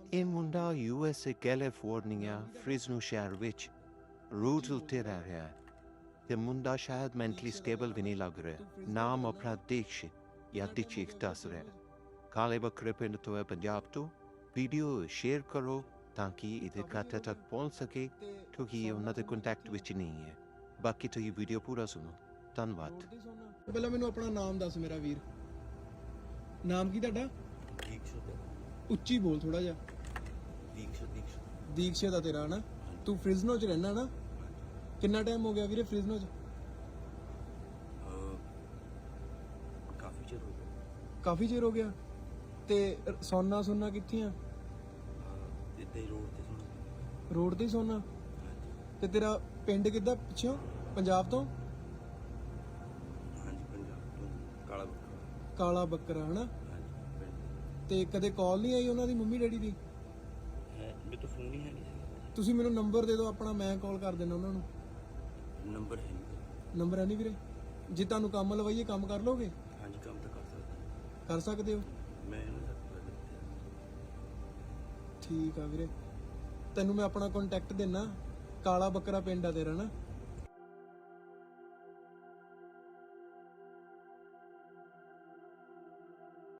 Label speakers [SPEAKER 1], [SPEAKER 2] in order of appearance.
[SPEAKER 1] ਇਹ ਮੁੰਡਾ USA California Fresno ਸ਼ਹਿਰ ਵਿੱਚ ਰੋਡ ਉੱਤੇ ਰਹਿ ਰਿਹਾ ਹੈ ਤੇ ਮੁੰਡਾ ਸ਼ਾਇਦ ਮੈਂਟਲੀ ਸਟੇਬਲ ਵੀ ਨਹੀਂ ਲੱਗ ਰਿਹਾ। ਨਾਮ ਆਪਣਾ ਦੀਕਸ਼ਿਤ ਜਾਂ ਦੀਕਸ਼ਿਤ ਦੱਸ ਰਿਹਾ। ਕਾਲੇ ਬੱਕਰੇ ਪਿੰਡ ਤੋਂ ਹੈ, ਪੰਜਾਬ ਤੋਂ। ਵੀਡੀਓ ਸ਼ੇਅਰ ਕਰੋ ਤਾਂ ਕਿ ਇਹਦੇ ਖਾਤੇ ਤੱਕ ਪਹੁੰਚ ਸਕੇ, ਕਿਉਂਕਿ ਇਹ ਉਹਨਾਂ ਦੇ ਕੰਟੈਕਟ ਵਿੱਚ ਨਹੀਂ ਹੈ। ਬਾਕੀ ਤੁਸੀਂ ਵੀਡੀਓ ਪੂਰਾ ਸੁਣੋ। ਧੰਨਵਾਦ।
[SPEAKER 2] ਪਹਿਲਾਂ ਮੈਨੂੰ ਆਪਣਾ ਨਾਮ ਦੱਸ ਮੇਰਾ ਵੀਰ। ਨਾਮ ਕੀ ਤੁਹਾਡਾ?
[SPEAKER 3] ਦੀਕਸ਼ਿਤ।
[SPEAKER 2] ਉੱਚੀ ਬੋਲ ਥੋੜਾ ਜਿਹਾ। ਦੀਕਸ਼ਿਤ ਦਾ ਤੇਰਾ ਨਾ? ਤੂੰ ਫ੍ਰਿਜ਼ਨੋ ਚ ਰਹਿਣਾ ਨਾ? ਕਿੰਨਾ ਟਾਈਮ ਹੋ ਗਿਆ ਵੀਰੇ ਫ੍ਰਿਜ਼ਨੋ ਚ?
[SPEAKER 3] ਕਾਫੀ ਚਿਰ ਹੋ ਗਿਆ।
[SPEAKER 2] ਕਾਫੀ ਚਿਰ ਹੋ ਗਿਆ। ਤੇ ਸੋਨਾ ਕਿੱਥੇ ਆ?
[SPEAKER 3] ਇੱਥੇ ਰੋਡ ਤੇ ਸੋਨਾ।
[SPEAKER 2] ਰੋਡ ਤੇ ਸੋਨਾ? ਤੇ ਤੇਰਾ ਪਿੰਡ ਕਿੱਦਾਂ ਪਿੱਛੋਂ? ਪੰਜਾਬ ਤੋਂ?
[SPEAKER 3] ਹਾਂਜੀ ਪੰਜਾਬ ਤੋਂ। ਕਾਲਾ ਬੱਕਰਾ।
[SPEAKER 2] ਕਾਲਾ ਬੱਕਰਾ ਹਨਾ?
[SPEAKER 3] ਹਾਂਜੀ ਪਿੰਡ।
[SPEAKER 2] ਤੇ ਕਦੇ ਕਾਲ ਨਹੀਂ ਆਈ ਉਹਨਾਂ ਦੀ ਮੰਮੀ ਡੈਡੀ ਦੀ?
[SPEAKER 3] ਹੈ ਮੇਰੇ ਤੋਂ ਫੋਨ ਹੀ ਹੈ ਨਹੀਂ ਸੀ।
[SPEAKER 2] ਤੁਸੀਂ ਮੈਨੂੰ ਨੰਬਰ ਦੇ ਦਿਓ ਆਪਣਾ, ਮੈਂ ਕਾਲ ਕਰ ਦਿੰਦਾ ਉਹਨਾਂ ਨੂੰ।
[SPEAKER 3] ਨੰਬਰ ਹੈ ਨਹੀਂ।
[SPEAKER 2] ਨੰਬਰ ਹੈ ਨਹੀਂ ਵੀਰੇ? ਜੇ ਤੁਹਾਨੂੰ ਕੰਮ ਲਵਾਈਏ ਕੰਮ ਕਰ ਲੋਗੇ?
[SPEAKER 3] ਹਾਂਜੀ ਕੰਮ ਤਾਂ ਕਰ ਸਕਦਾ।
[SPEAKER 2] ਕਰ ਸਕਦੇ ਹੋ?
[SPEAKER 3] ਮੈਂ ਇਹਨਾਂ ਦਾ
[SPEAKER 2] ਠੀਕ ਆ ਵੀਰੇ, ਤੈਨੂੰ ਮੈਂ ਆਪਣਾ ਕੰਟੈਕਟ ਦਿੰਨਾ। ਕਾਲਾ ਬੱਕਰਾ ਪਿੰਡ ਆ ਤੇਰਾ ਨਾ?